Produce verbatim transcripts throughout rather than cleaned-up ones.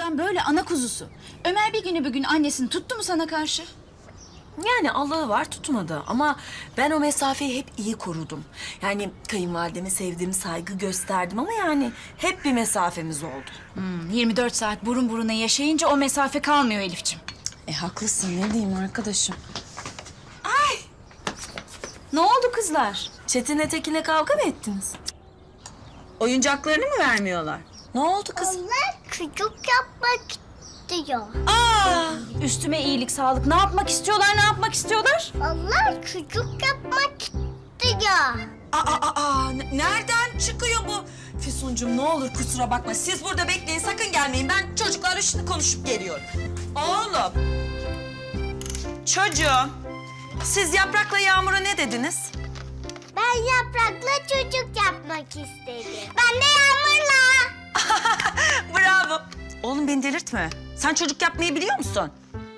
adam böyle ana kuzusu. Ömer bir günü bir gün annesini tuttu mu sana karşı? Yani Allah'ı var tutmadı ama ben o mesafeyi hep iyi korudum. Yani kayınvalideme sevdiğim saygı gösterdim ama yani hep bir mesafemiz oldu. Hmm, yirmi dört saat burun buruna yaşayınca o mesafe kalmıyor Elif'ciğim. E haklısın ne diyeyim arkadaşım. Ne oldu kızlar? Çetin'le Tekin'le kavga mı ettiniz? Oyuncaklarını mı vermiyorlar? Ne oldu kız? Onlar çocuk yapmak istiyor. Aa, üstüme iyilik sağlık. Ne yapmak istiyorlar, ne yapmak istiyorlar? Onlar çocuk yapmak istiyor. Aa, aa, aa, n- nereden çıkıyor bu? Füsuncuğum ne olur kusura bakma. Siz burada bekleyin sakın gelmeyin. Ben çocuklarla şimdi konuşup geliyorum. Oğlum. Çocuğum. Siz Yaprak'la Yağmur'a ne dediniz? Ben Yaprak'la çocuk yapmak istedim. Ben de Yağmur'la. Bravo. Oğlum beni delirtme. Sen çocuk yapmayı biliyor musun?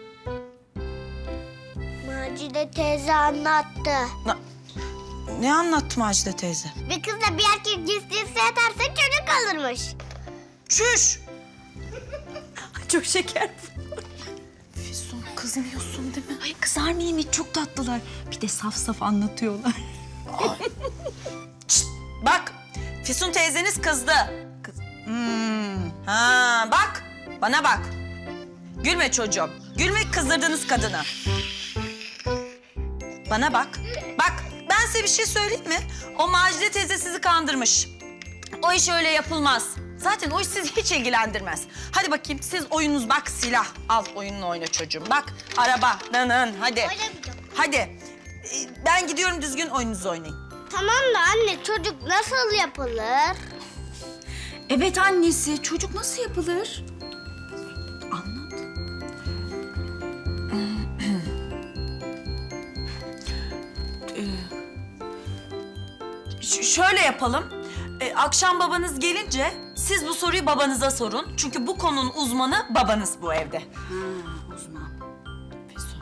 Macide teyze anlattı. Na- ne anlattı Macide teyze? Bir kızla bir erkek cinsiyeti yatarsa çocuk alırmış. Çüş. Çok şeker. Füsun kızmıyorsun değil mi? Ay kızar mıyım hiç? Çok tatlılar. Bir de saf saf anlatıyorlar. Şşt, bak Füsun teyzeniz kızdı. Kız. Hmm. Ha bak bana bak. Gülme çocuğum. Gülme kızdırdınız kadını. Bana bak. Bak ben size bir şey söyleyeyim mi? O Macide teyze sizi kandırmış. O iş öyle yapılmaz. Zaten o iş sizi hiç ilgilendirmez. Hadi bakayım siz oyununuz bak silah. Al oyununu oyna çocuğum. Bak araba. Nın hadi. Oynamayacağım. Hadi. Ee, Ben gidiyorum düzgün oyununuzu oynayın. Tamam da anne çocuk nasıl yapılır? Evet annesi, çocuk nasıl yapılır? Anlat. Ş- şöyle yapalım. Ee, akşam babanız gelince siz bu soruyu babanıza sorun. Çünkü bu konunun uzmanı babanız bu evde. Ha, uzman. Füsun.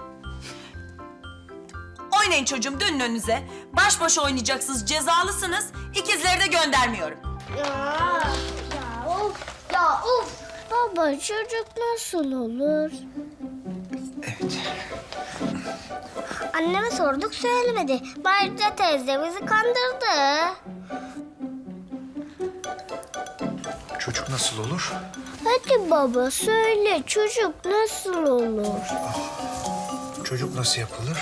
Oynayın çocuğum dönün önünüze. Baş başa oynayacaksınız cezalısınız. İkizleri de göndermiyorum. Ya, ya of, ya of. Baba çocuk nasıl olur? Evet. Anneme sorduk söylemedi. Macide teyze bizi kandırdı. Çocuk nasıl olur? Hadi baba söyle çocuk nasıl olur? Çocuk nasıl yapılır?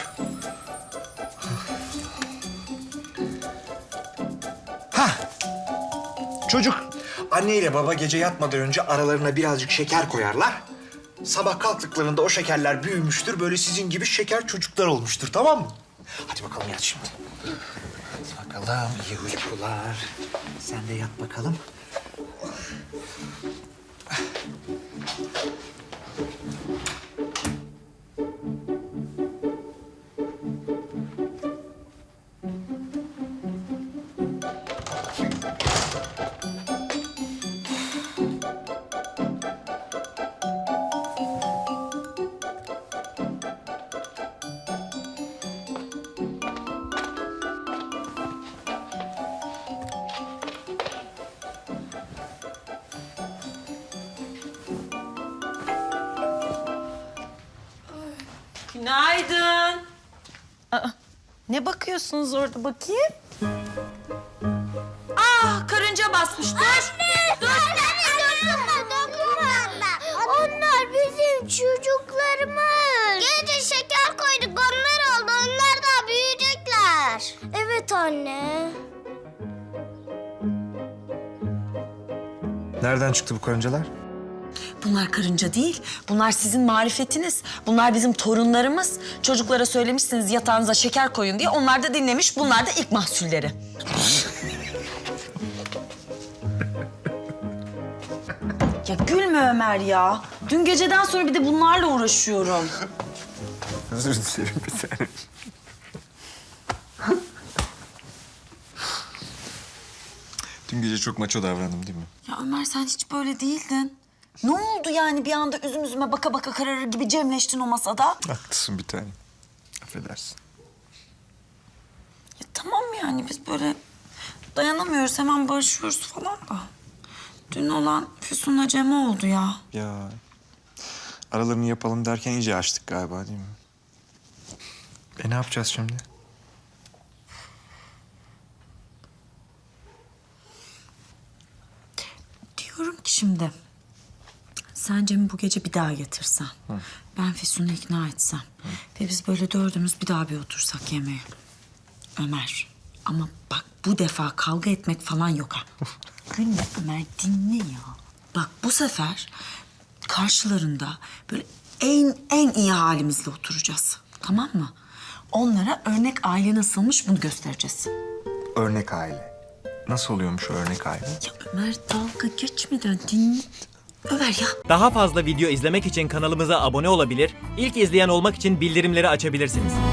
Ha! Çocuk. Anne ile baba gece yatmadan önce aralarına birazcık şeker koyarlar. Sabah kalktıklarında o şekerler büyümüştür. Böyle sizin gibi şeker çocuklar olmuştur, tamam mı? Hadi bakalım yat şimdi. Hadi bakalım, iyi uykular. Sen de yat bakalım. Günaydın. Aa, ne bakıyorsunuz orada bakayım? Aa karınca basmış. Dur. Dur. Dokunma, dokunma. Onlar bizim çocuklarımız. Gece şeker koyduk onlar oldu. Onlar da büyüyecekler. Evet anne. Nereden çıktı bu karıncalar? Bunlar karınca değil. Bunlar sizin marifetiniz. Bunlar bizim torunlarımız. Çocuklara söylemişsiniz yatağınıza şeker koyun diye. Onlar da dinlemiş. Bunlar da ilk mahsulleri. Ya gülme Ömer ya. Dün geceden sonra bir de bunlarla uğraşıyorum. Özür dilerim bir tane. Dün gece çok maço davrandım değil mi? Ya Ömer sen hiç böyle değildin. Ne oldu yani bir anda üzüm üzüme baka baka kararır gibi cemleştin o masada? Haklısın bir tane. Affedersin. Ya tamam yani biz böyle dayanamıyoruz hemen barışıyoruz falan da. Dün olan Füsun'la Cem oldu ya. Ya aralarını yapalım derken iyice açtık galiba değil mi? E ne yapacağız şimdi? Diyorum ki şimdi... Sen Cem'i bu gece bir daha getirsen. Ben Füsun'u ikna etsem. Ve biz böyle dördümüz bir daha bir otursak yemeğe. Ömer. Ama bak bu defa kavga etmek falan yok ha. Dinle Ömer, dinle ya. Bak bu sefer karşılarında böyle en en iyi halimizle oturacağız. Tamam mı? Onlara örnek aile nasılmış bunu göstereceğiz. Örnek aile. Nasıl oluyormuş o örnek aile? Ya Ömer dalga geçmeden dinle. Ömer ya. Daha fazla video izlemek için kanalımıza abone olabilir, ilk izleyen olmak için bildirimleri açabilirsiniz.